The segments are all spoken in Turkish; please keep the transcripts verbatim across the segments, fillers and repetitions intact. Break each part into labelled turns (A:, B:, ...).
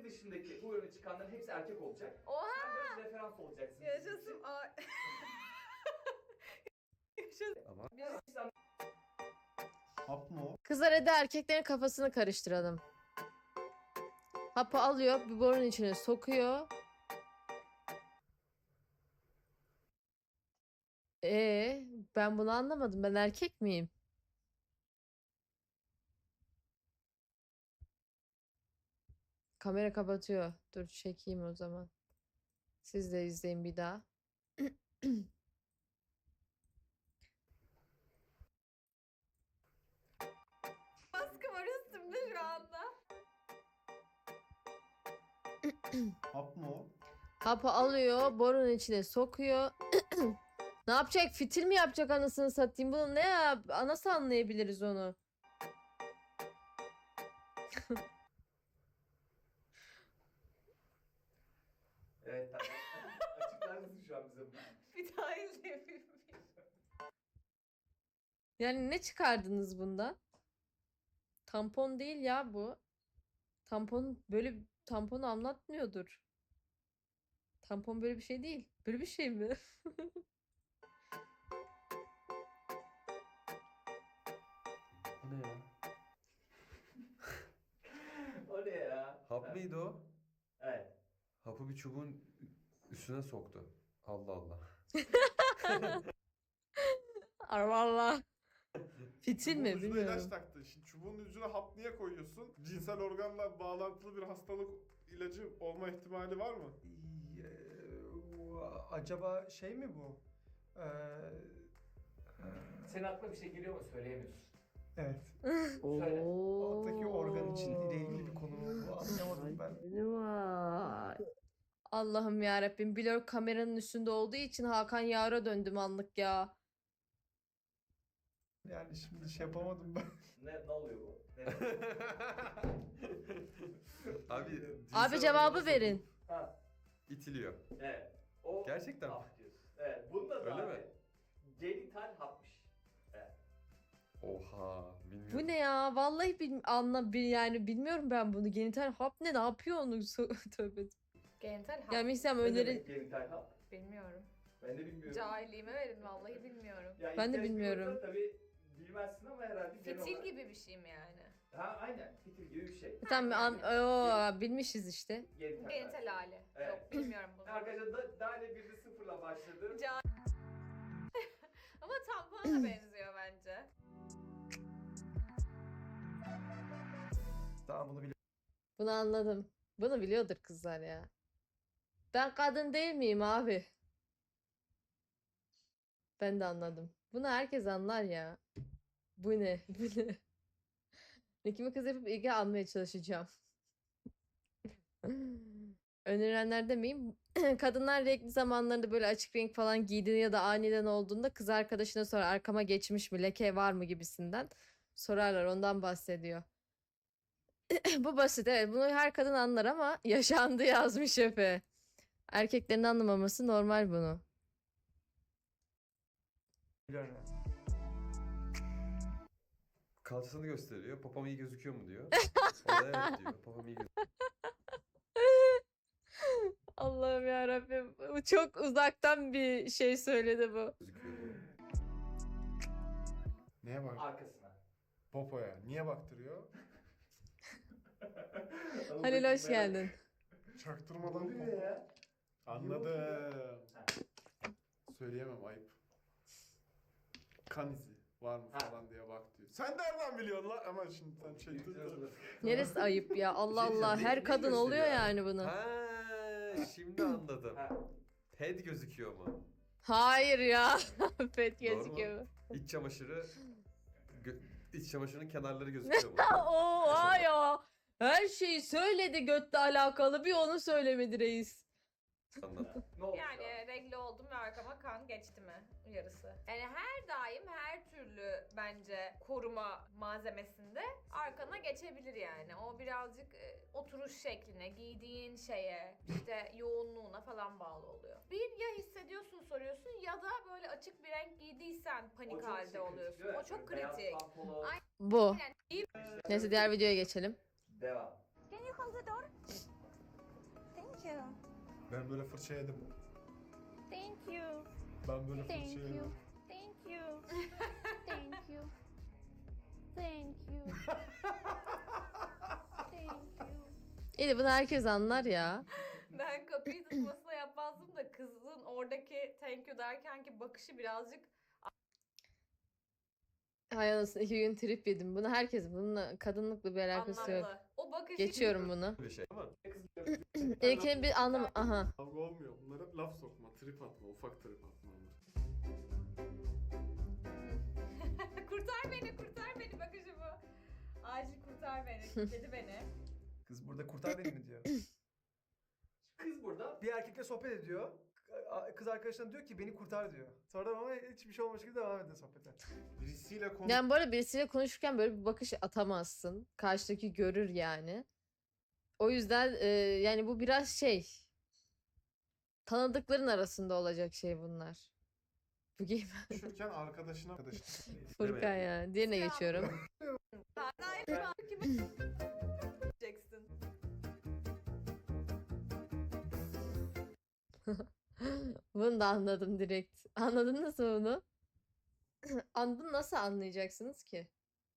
A: dışındaki bu ürünü çıkanların hepsi erkek olacak.
B: Oha!
A: Sen biraz referans olacaksın. bizim
B: Yaşasın.
A: için.
B: Ay. Yaşasın.
C: Ama
A: Biz
C: hap mı o?
D: Kızlar hadi erkeklerin kafasını karıştıralım. Hapı alıyor, bir borunun içine sokuyor. Ee, ben bunu anlamadım. Ben erkek miyim? Kamera kapatıyor. Dur çekeyim o zaman. Siz de izleyin bir daha.
B: Baskı var üstümde şu anda.
C: Hap mı o?
D: Hapı alıyor, borunun içine sokuyor. Ne yapacak? Fitil mi yapacak anasını satayım? Bunu ne ya? Nasıl anlayabiliriz onu?
A: Evet tamam. Açıklar mısın şu an bize bunu?
B: Bir daha izleyebilir miyim?
D: Yani ne çıkardınız bundan? Tampon değil ya bu. Tampon böyle tampon anlatmıyordur. Tampon böyle bir şey değil. Böyle bir şey mi?
C: O ne ya?
A: O ne ya?
C: Hap
A: Evet.
C: mıydı o?
A: Evet.
C: Hapı bir çubuğun üstüne soktu. Allah Allah.
D: Allah Allah. Fitil mi?
E: Çubuğun ucuna ilaç
D: Bilmiyorum.
E: taktı. Şimdi çubuğun ucuna hap niye koyuyorsun? Cinsel organla bağlantılı bir hastalık ilacı olma ihtimali var mı?
F: Acaba şey mi bu? Ee,
A: Senin aklına bir şey geliyor mu? Söyleyemiyorsun.
F: evet.
A: Söyle.
F: Alttaki organ için ile ilgili bir konu mu bu? Anlamadım ben.
D: Vay. Allah'ım ya Rabbim. Blur kameranın üstünde olduğu için Hakan Yar'a döndüm anlık ya.
F: Yani şimdi şey yapamadım ben.
A: Ne, ne oluyor bu? Ne
C: Abi,
D: Abi
C: cinsel
D: cevabı
C: organa
D: verin.
C: sokup
A: Ha,
C: İtiliyor.
A: evet. O
C: Gerçekten mi?
A: hap diyorsun. Evet. Bunda da
C: Öyle
A: abi
C: mi?
A: genital hapmış. Evet.
C: Oha, bilmiyorum.
D: Bu ne ya? Vallahi bil anla bil yani bilmiyorum ben bunu. Genital hap ne? Ne yapıyor onu? So- Tövbe.
B: Genital hap.
D: Yani mesela
A: Ne
D: öneri
A: demek genital hap?
B: Bilmiyorum.
A: Ben de bilmiyorum.
B: Cahilliğime verin vallahi bilmiyorum.
A: Ya
D: Ben de
A: ihtiyaç
D: bilmiyorum.
A: duyulursa Tabii bilmezsin ama herhalde genel
B: Fitil
A: olarak-
B: gibi bir şey mi yani?
A: Ha aynen. Fitil gibi bir şey.
D: Tamam an Oo, bilmişiz işte.
A: Genital.
B: Genital hali.
A: Evet.
B: Yok bilmiyorum bunu.
A: Arkadaşlar da, daire birde sıfırla başladı.
B: Ca- Ama tampona da benziyor bence.
F: Daha bunu biliyorum.
D: Bunu anladım. Bunu biliyordur kızlar ya. Ben kadın değil miyim abi? Ben de anladım. Bunu herkes anlar ya. Bu ne? Bu ne? Nikimi kız yapıp ilgi almaya çalışacağım. Önerilenler demeyeyim. Kadınlar renkli zamanlarında böyle açık renk falan giydiğinde ya da aniden olduğunda kız arkadaşına sorar arkama geçmiş mi, leke var mı gibisinden sorarlar. Ondan bahsediyor. Bu basit evet. Bunu her kadın anlar ama yaşandı yazmış Efe. Erkeklerin anlamaması normal bunu.
F: biliyorum yani.
C: Kalçasını gösteriyor. Popom iyi gözüküyor mu diyor. O da evet diyor. Popom iyi gözüküyor.
D: Allah'ım ya Rabbim. Bu çok uzaktan bir şey söyledi bu.
C: diyor.
E: Neye bak?
A: Arkasına.
E: Popoya. Niye baktırıyor?
D: Halil hoş geldin.
E: Çaktırmadan
A: Oluyor
E: popo.
A: ya.
E: Anladım. Söyleyemem ayıp. Kan izi var mı
A: Ha.
E: falan diye bak diyor. Sen nereden biliyorsun lan? Ama şimdi sen şey tut.
D: Neresi ayıp ya? Allah
C: Bir şey
D: Allah.
C: diyeceğim,
D: Her
C: neyi
D: kadın oluyor
C: gösteriyor abi?
D: yani bunu.
C: Ha, şimdi anladım.
A: Ha.
C: Head gözüküyor mu?
D: Hayır ya. Pet
C: Doğru mu?
D: gözüküyor.
C: İç çamaşırı gö- iç çamaşırının kenarları gözüküyor mu?
D: Oha ya. Her şeyi söyledi götle alakalı. Bir onu söylemedi reis.
C: Anlat.
A: Ne oldu?
B: Yani renkli oldum ve arkama kan geçti mi yarısı. Yani her daim her türlü bence koruma malzemesinde arkana geçebilir yani. O birazcık e, oturuş şekline, giydiğin şeye, işte yoğunluğuna falan bağlı oluyor. Bir ya hissediyorsun soruyorsun ya da böyle açık bir renk giydiysen
A: O
B: panik
A: çok
B: halde
A: şey kritik,
B: oluyorsun.
A: değil mi?
B: O çok
A: Böyle beyaz
B: kritik.
A: pantolon.
B: Ay-
D: Bu.
B: Yani iyi
D: Neyse diğer videoya geçelim.
A: Devam.
G: you.
E: Ben böyle fırça yedim.
G: Thank you.
E: Ben böyle
G: Thank
E: fırça
G: you.
E: yedim.
G: Thank you. Thank you. Thank you. Thank you.
D: İyi bunu herkes anlar ya.
B: Ben kapıyı tutmasına yapmazdım da kızın oradaki thank you derken ki bakışı birazcık
D: Hay anasını iki gün trip yedim. Bunu herkes bununla kadınlıkla bir alakası yok.
B: anlamlı. O bakışı
D: Geçiyorum bunu.
C: Bir şey ama
D: İlkini bir anlam... Aha.
E: Kavga olmuyor. Bunlar hep laf sokma, trip atma, ufak trip atma onlar.
B: kurtar beni, kurtar beni bakışı bu. Acil kurtar beni, kilitledi beni.
F: Kız burada kurtar beni mi diyor.
A: Kız burada.
F: Bir erkekle sohbet ediyor. Kız arkadaşına diyor ki beni kurtar diyor. Sonra ama hiçbir şey olmamış gibi devam ediyor sohbete.
E: Birisiyle konuş.
D: Yani bu arada birisiyle konuşurken böyle bir bakış atamazsın. Karşıdaki görür yani. O yüzden e, yani bu biraz şey. Tanıdıkların arasında olacak şey bunlar. Bu game
E: Konuşurken arkadaşına arkadaşına.
D: Furkan ya. Diğerine geçiyorum.
B: Hayır, şu an kime diyeceksin?
D: Bunu da anladım direkt. Anladınız mı bunu? Anladın, nasıl anlayacaksınız ki?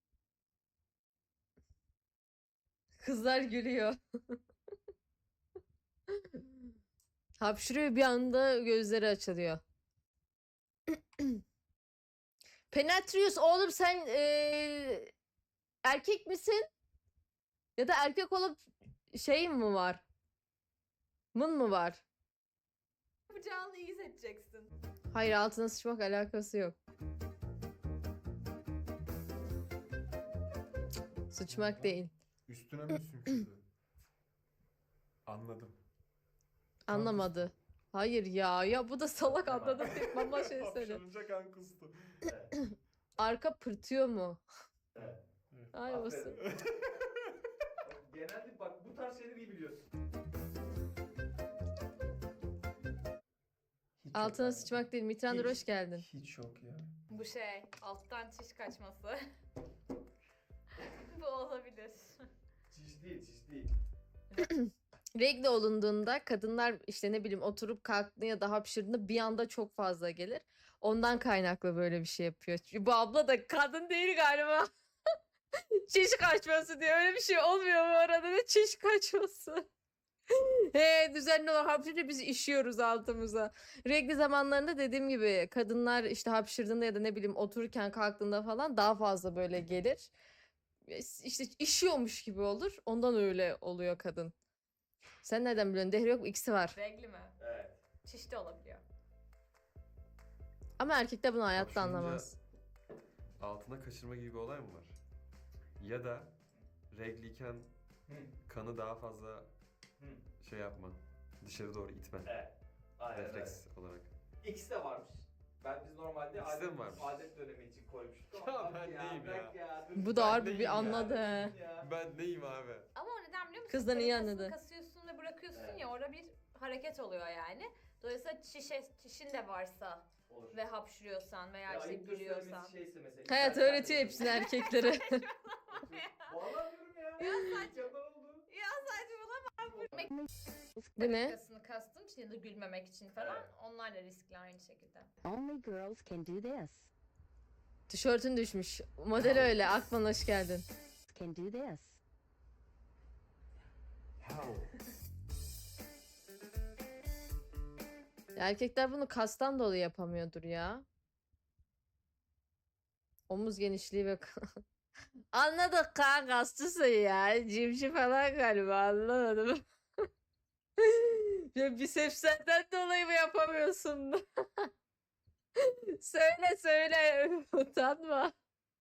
D: Kızlar gülüyor. Hapşırıyor, bir anda gözleri açılıyor. Penetrius oğlum sen eee, erkek misin? Ya da erkek olup şeyin mi var? Mın mı var?
B: Yapacağını iyi seçeceksin.
D: Hayır, altına sıçmak alakası yok. Sıçmak değil.
E: Üstüne mi sümkürdü? Anladım.
D: Anlamadı. Hayır ya. Ya bu da salak anladı. Mama şey söyle.
E: Hapşırınca kan kustu.
A: Evet.
D: Arka pırtıyor mu?
A: Evet.
D: Ay olsun.
A: Aferin. Genelde bak bu tarz şeyleri iyi biliyorsun.
F: Hiç
D: Altına
F: yok abi.
D: sıçmak değil. Mitrandır,
F: Hiç-
D: hoş geldin.
F: Hiç yok ya.
B: Bu şey, alttan çiş kaçması. Bu olabilir.
A: Çiş değil, çiş değil.
D: Regle olunduğunda kadınlar işte ne bileyim oturup kalktığında ya da hapşırdığında bir anda çok fazla gelir. Ondan kaynaklı böyle bir şey yapıyor. Çünkü bu abla da kadın değil galiba. Çiş kaçması diyor. Öyle bir şey olmuyor bu arada. Ne çiş kaçması? He, düzenli olarak hapşırınca biz işiyoruz altımıza. Regl zamanlarında dediğim gibi kadınlar işte hapşırdığında ya da ne bileyim otururken kalktığında falan daha fazla böyle gelir. İşte işiyormuş gibi olur. Ondan öyle oluyor kadın. Sen nereden biliyorsun? Dehri yok mu? İkisi var.
B: Regli mi?
A: Evet.
B: Çiş de olabiliyor.
D: Ama erkekler bunu hayatta
C: Hapşırınca
D: anlamaz.
C: altına kaçırma gibi bir olay mı var? Ya da regliyken
A: Hı.
C: kanı daha fazla
A: Hı.
C: şey yapma. Dışarı doğru itme.
A: Evet. Aynen öyle.
C: Refleks olarak.
A: İkisi de varmış. Ben biz normalde
C: İkisi de
A: adet,
C: mi varmış?
A: adet dönemi için koymuştuk.
C: Ya
A: Ama
C: ben
A: bak
C: neyim
A: bırak
C: ya?
A: dur.
D: Bu da
C: Ben
D: harbi
C: neyim
D: bir
C: ya?
D: anladı he.
A: Ya.
C: Ben neyim abi?
B: Ama o neden biliyor musun?
D: Kızdan iyi
B: Kalitesini
D: anladı.
B: kasıyorsun ve bırakıyorsun
A: Evet.
B: ya, orada bir hareket oluyor yani. Dolayısıyla çişe, çişin de varsa
A: Olur.
B: ve hapşırıyorsan veya
A: Ya
B: işte
A: ayıptır
B: gülüyorsan.
A: söylemesi şeyse mesela.
D: Hayat
A: İstersen
D: öğretiyor
A: de-
D: hepsini erkeklere.
A: Vallahi diyorum ya.
B: Ya saç-
A: Mükemmel oldu.
B: Ya saçmalama. Gülmek
D: Bu ne?
B: dakikasını kastım için ya da gülmemek için falan.
A: Evet.
B: Onlar da riskli aynı şekilde.
H: Only girls can do this.
D: Tişörtün düşmüş. Model öyle. Akman hoş geldin.
H: Can do this.
D: Erkekler bunu kastan dolayı yapamıyordur ya. Omuz genişliği ve... Anladık kan kastısın ya. Cimci falan galiba, anlamadım. Ya bisepslerden dolayı mı yapamıyorsun? Söyle söyle. Utanma.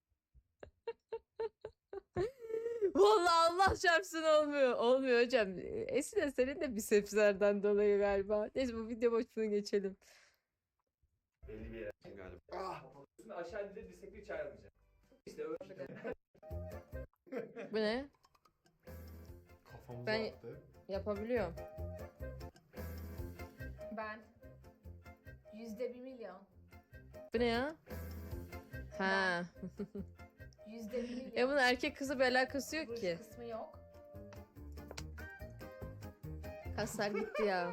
D: Vallahi Allah çarpsın olmuyor. Olmuyor hocam. Esin senin de bisepslerden dolayı galiba. Neyse bu video boşluğunu geçelim.
A: Belli bir yere.
C: Galiba.
A: Ah. Şimdi aşağı indir dirsekli hiç ayrılmayacak. İşte öyle.
D: Bu ne?
E: Kafamıza
D: Ben-
E: attı.
D: Yapabiliyorum.
B: Ben yüzde bir milyon.
D: Bu ne ya? Ha.
B: Yüzde bir milyon.
D: Ya bunun erkek kızı bir alakası yok
B: Ruj
D: ki.
B: kısmı yok.
D: Kaslar gitti ya.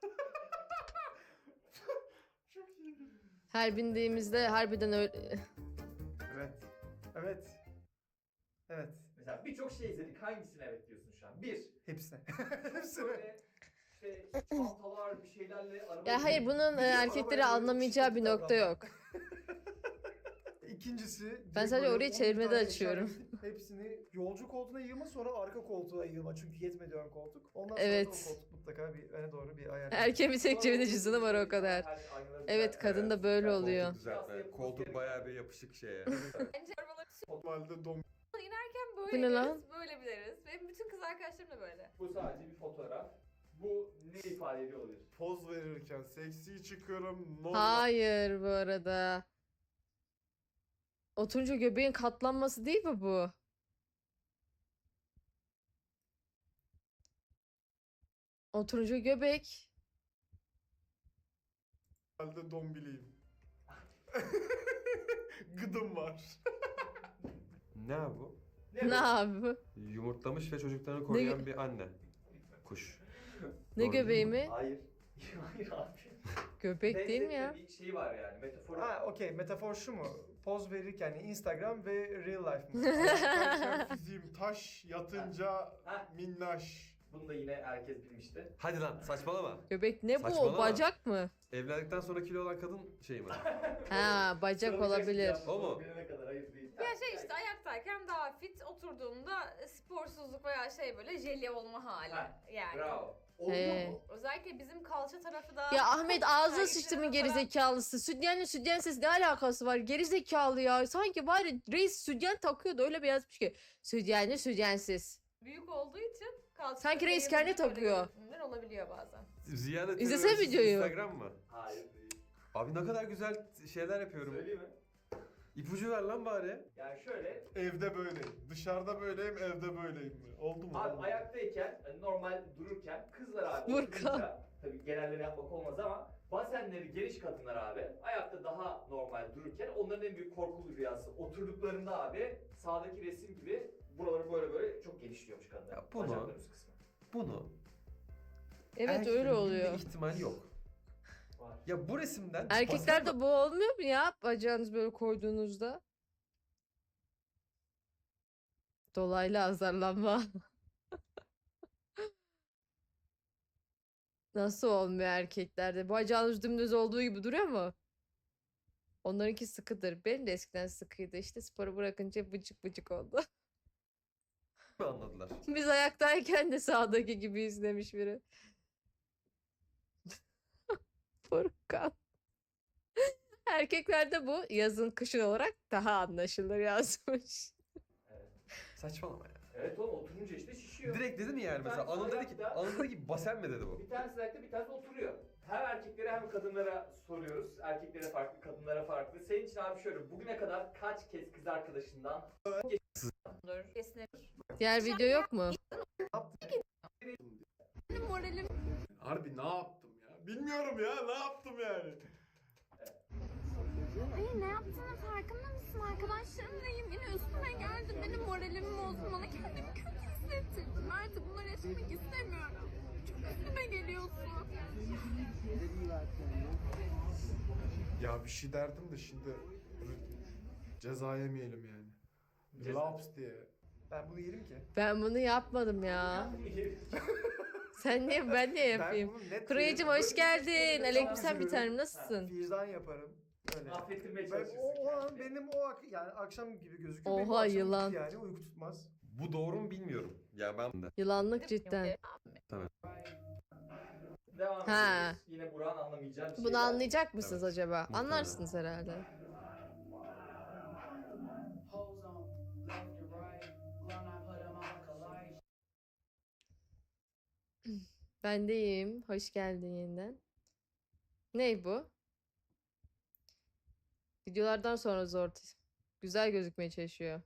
E: Çok iyi.
D: Her bindiğimizde harbiden öyle...
F: Evet. Evet. Evet.
A: Mesela birçok şey izledik. Hangisine evet diyorsun şu an? Bir.
F: Hepsine. Hepsine.
A: Böyle işte çantalar bir şeylerle araba.
D: Ya hayır bunun e,
F: Biliyor,
D: erkekleri
F: arabaya böyle
D: anlamayacağı bir
F: şiddetli
D: nokta yok.
F: İkincisi...
D: Ben
F: direkt
D: sadece
F: böyle
D: orayı
F: on
D: çevirmede
F: tane
D: açıyorum.
F: işaret- Hepsini yolcu koltuğuna yığma, sonra arka koltuğa yığma. Çünkü yetmedi ön koltuk. Ondan
D: Evet.
F: sonra o koltuk mutlaka bir öne doğru bir ayar.
D: Erkeğin bir tek cebinde cüzdanı var o kadar. Evet kadın da böyle oluyor.
C: Koltuk düzeltme. Koltuk bayağı bir yapışık şeye.
B: Bence arabaları
E: Normalde dom
B: inerken
D: Bu
B: böyle
D: ne
B: gideriz,
D: lan?
B: böyle biliriz. Benim bütün kız arkadaşlarım da böyle.
A: Bu sadece bir fotoğraf. Bu ne ifade ediyor olabilir?
E: poz verirken seksi çıkıyorum. Normal.
D: Hayır bu arada. Oturunca göbeğin katlanması değil mi bu? Oturunca göbek.
E: Normalde dombiliyim. Gıdım var.
C: Ne abi bu?
A: Ne,
D: Ne abi?
C: Yumurtlamış ve çocuklarını koruyan bir anne. Kuş.
D: Ne
C: Doğru
D: göbeği
C: değil
D: mi?
A: Hayır. Hayır abi.
D: Göbek değil mi ya?
A: Benzetme bir şey var yani. Metafor.
F: Ha okey, metafor şu mu? Poz verirken yani Instagram ve real life mı?
E: Ayaklarken fiziğim taş, yatınca
A: Ha.
E: minnaş.
A: Bunu da yine herkes bilmişti.
C: Hadi lan saçmalama.
D: Göbek ne bu? O
C: Saçmalama.
D: bacak mı?
C: Evlendikten sonra kilo olan kadın şey mi?
D: Ha bacak
A: Sıradaki
D: olabilir.
A: yaşlı
C: O mu?
A: bilene kadar hayır değil.
B: Ya şey işte ayaktayken daha fit, oturduğunda sporsuzluk veya şey böyle jelye olma hali.
A: Ha,
B: Yani.
A: Bravo.
D: He.
A: mu?
B: Özellikle bizim kalça tarafı da...
D: Ya Ahmet ağzına
B: Erkeklerin
D: sıçtımın
B: falan-
D: gerizekalısı. Sütyenle sütyen sesi ne alakası var? Gerizekalı ya. Sanki bari reis sütyen takıyordu öyle bir yazmış ki. Sütyenli sütyensiz.
B: büyük olduğu için kalça
D: Sanki reis
B: tarafı
D: kendi
B: böyle
D: takıyor.
B: görünümler olabiliyor bazen.
C: Ziyade
D: İzlesene
C: terörist
D: videoyu.
C: Instagram mı?
A: Hayır değil.
C: Abi ne kadar güzel şeyler yapıyorum.
A: Söyleyeyim mi?
C: İpucu ver lan bari.
A: Yani şöyle.
E: Evde böyleyim. Dışarıda böyleyim, evde böyleyim mi? Oldu mu?
A: Abi
E: Oldu mu?
A: ayaktayken hani normal dururken kızlar abi
D: Furkan.
A: oturunca tabii genelleme yapmak olmaz ama basenleri geniş kadınlar abi ayakta daha normal dururken onların en büyük korkulu rüyası oturduklarında abi sağdaki resim gibi buraları böyle böyle çok genişliyormuş kadınlar.
C: Ya bunu-
A: Bacakların üst kısmı.
C: Bunu
D: Evet
C: erkeklerin
D: öyle
C: bilme
D: oluyor.
C: ihtimali yok.
A: Var.
C: Ya bu resimden
D: Erkeklerde bu olmuyor mu ya? Bacağınız böyle koyduğunuzda. Dolaylı azarlanma. Nasıl olmuyor erkeklerde? Bacağınız dümdüz olduğu gibi duruyor mu? Onlarınki sıkıdır. Benim de eskiden sıkıydı. İşte sporu bırakınca bıcık bıcık oldu.
C: mi anladılar?
D: Biz ayaktayken de sağdaki gibi izlemiş biri. Furkan. Erkeklerde bu yazın kışın olarak daha anlaşılır yazmış.
C: Saçmalama ya.
A: Evet oğlum oturunca işte şişiyor.
C: Direkt dedi mi yani
A: Bir
C: mesela?
A: tanesi
C: Anıl dedi ki,
A: ayakta.
C: Anıl dedi ki basen mi dedi bu?
A: Bir tanesi ayakta bir tanesi oturuyor. Hem erkeklere hem kadınlara soruyoruz. Erkeklere farklı, kadınlara farklı. Senin için abi şöyle bugüne kadar kaç kez kız arkadaşından
B: Dur. Kesinlikle.
D: Diğer video yok mu?
B: Moralim
E: Harbi ne yaptım ya? Bilmiyorum ya, ne yaptım yani?
G: Hayır ne yaptığının farkında mısın? Arkadaşlarımlayım. Yine üstüme geldi. Benim moralimi bozdu. Bana kendimi kötü hissettirdin. Artık bunları yaşamak istemiyorum. Çok üstüme geliyorsun.
E: Ya bir şey derdim de şimdi ceza yemeyelim yani.
A: Ceza.
E: Laps diye.
F: Ben bunu yerim ki.
D: Ben bunu yapmadım ya. Sen niye ben niye yapayım?
F: Ben bunu net
D: Kurayıcım
F: yerim.
D: hoş geldin.
F: Böyle
D: Aleykümselam bir
F: üzülürüm.
D: tanem nasılsın?
F: Vicdan yaparım. Öyle.
A: affettirmeye
F: Ben,
A: çalışırsın.
F: o, o an
A: kendini.
F: benim o ak- yani akşam gibi gözüküyor. Benim o
D: Oha,
F: akşam
D: yılan.
F: uyku yani uyku tutmaz.
C: Bu doğru mu bilmiyorum. Ya ben de.
D: Yılanlık cidden.
A: Devam
D: Ha.
A: ediyoruz. Yine Burak'ın anlamayacağı bir şey.
D: Bunu anlayacak mısınız
C: Evet.
D: acaba?
C: Muhtemelen.
D: Anlarsınız herhalde. Ben de iyiyim. Hoş geldin yeniden. Ney bu? Videolardan sonra zor. Güzel gözükmeye çalışıyor.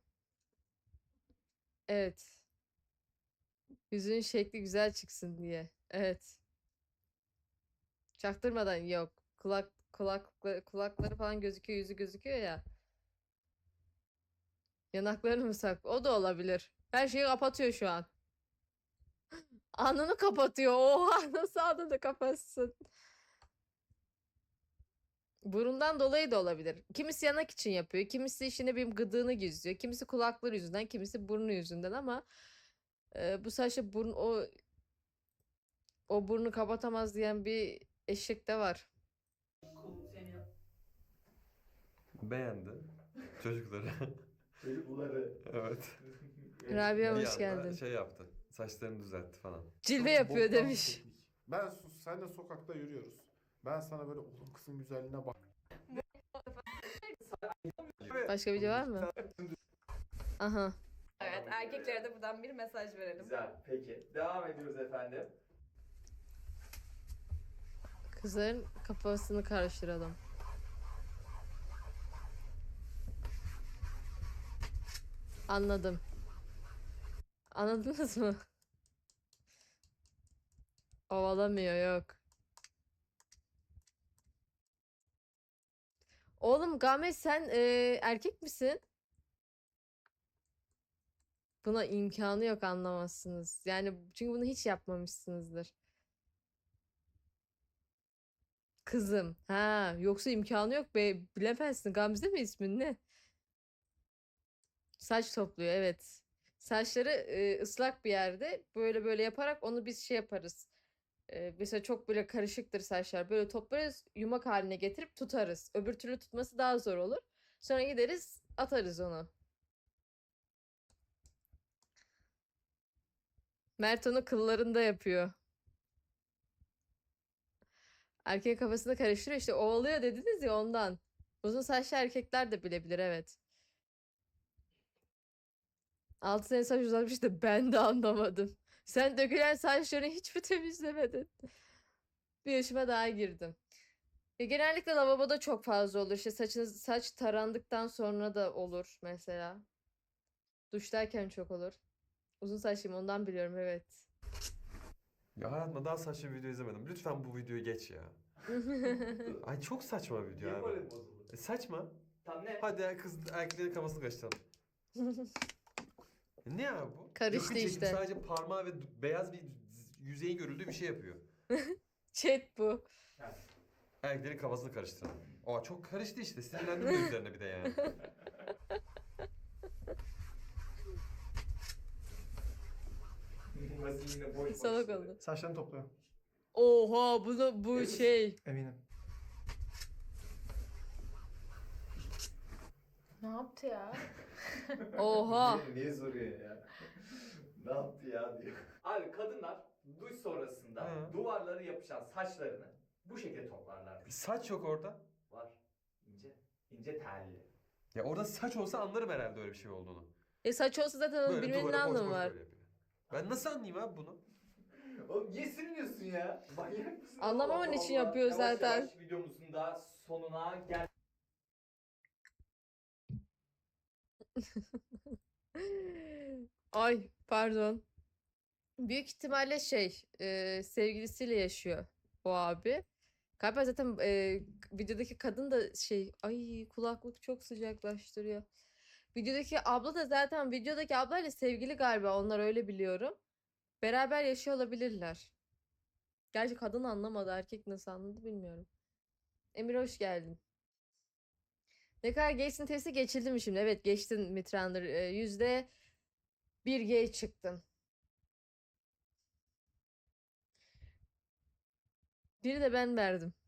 D: Evet. Yüzünün şekli güzel çıksın diye. Evet. Çaktırmadan yok. Kulak kulakları, kulakları falan gözüküyor, yüzü gözüküyor ya. Yanaklarını mı sak? O da olabilir. Her şeyi kapatıyor şu an. Alnını kapatıyor. Oha nasıl alnını kapatsın? Burundan dolayı da olabilir. Kimisi yanak için yapıyor. Kimisi işine bir gıdığını gizliyor. Kimisi kulakları yüzünden, kimisi burnu yüzünden ama e, bu saçta burun o o burnu kapatamaz diyen bir eşek de var.
C: Beğendi çocukları.
A: Çocukları.
C: Evet.
D: Rabia
C: Bir
D: hoş
C: anda
D: geldin.
C: şey yaptı. Saçlarını düzeltti falan.
D: Cilve
E: Çok
D: yapıyor
E: boktan bir
D: demiş.
E: teknik. Ben sus, senle sokakta yürüyoruz. Ben sana böyle oğlum kızın güzelliğine bak.
D: Başka video var mı? Aha.
B: Evet, erkeklere de buradan bir mesaj verelim.
A: Güzel. Peki. Devam ediyoruz efendim.
D: Kızların kafasını karıştıralım. Anladım. Anladınız mı? Ovalamıyor yok. Oğlum Gamet sen e, erkek misin? Buna imkanı yok anlamazsınız. Yani çünkü bunu hiç yapmamışsınızdır. Kızım. Ha, yoksa imkanı yok be. Bilemezsin. Gamze mi ismin ne? Saç topluyor evet. Saçları e, ıslak bir yerde böyle böyle yaparak onu biz şey yaparız. E, mesela çok böyle karışıktır saçlar. Böyle toplarız, yumak haline getirip tutarız. Öbür türlü tutması daha zor olur. Sonra gideriz, atarız onu. Mert onu kıllarında yapıyor. Erkek kafasını karıştırıyor işte ovalıyor dediniz ya ondan. Uzun saçlı erkekler de bilebilir evet. altı sene saç uzatmış da ben de anlamadım. Sen dökülen saçlarını hiç mi temizlemedin? Bir yaşıma daha girdim. Ya genellikle lavaboda çok fazla olur. İşte saçınız saç tarandıktan sonra da olur mesela. Duştayken çok olur. Uzun saçlıyım ondan biliyorum evet.
C: Ya hayatımda daha saçma bir video izlemedim. Lütfen bu videoyu geç ya. Ay çok saçma bir video
A: Niye
C: abi.
A: moralim bozuldu?
C: E, saçma.
A: Tam ne?
C: Hadi ya kız erkeklerin kafasını karıştıralım. E, ne ya bu?
D: Karıştı
C: Yakın çekim
D: işte.
C: sadece parmağı ve d- beyaz bir z- yüzeyin görüldüğü bir şey yapıyor.
D: Chat bu.
C: Erkeklerin kafasını karıştıralım. Aa çok karıştı işte. Sinirlendim de üzerine bir de yani.
A: Burası yine boş boş.
D: Salak oldu.
F: Saçlarını topluyor.
D: Oha bunu bu
A: Evet.
D: şey.
F: Eminim.
B: Ne yaptı ya?
D: Oha.
A: Niye, niye soruyor ya? Ne yaptı ya diyor. Abi kadınlar duş sonrasında
C: Hı.
A: duvarlara yapışan saçlarını bu şekilde toplarlarmış.
C: Saç yok orada.
A: Var. İnce. İnce telli.
C: Ya orada saç olsa anlarım herhalde öyle bir şey olduğunu.
D: E saç olsa zaten onun
C: Böyle
D: bilmenin ne
C: duvara koş
D: anlamı
C: koş
D: var?
C: böyle yapıyor. Ben nasıl anlayayım abi bunu?
A: Oğlum niye sürünüyorsun ya? Manyak mısın?
D: Anlamaman
A: Allah
D: için
A: Allah.
D: yapıyor
A: Yavaş
D: zaten.
A: Yavaş videomuzun da sonuna gel.
D: Ay pardon. Büyük ihtimalle şey e, sevgilisiyle yaşıyor o abi. Galiba zaten e, videodaki kadın da şey ay kulaklık çok sıcaklaştırıyor. Videodaki abla da zaten videodaki ablayla sevgili galiba onlar öyle biliyorum. Beraber yaşıyor olabilirler. Gerçi kadın anlamadı erkek nasıl anladı bilmiyorum. Emir hoş geldin. Ne kadar geçsin testi geçildi mi şimdi? Evet geçtin Mitrander. Ee, Yüzde bir G çıktın. Biri de ben verdim.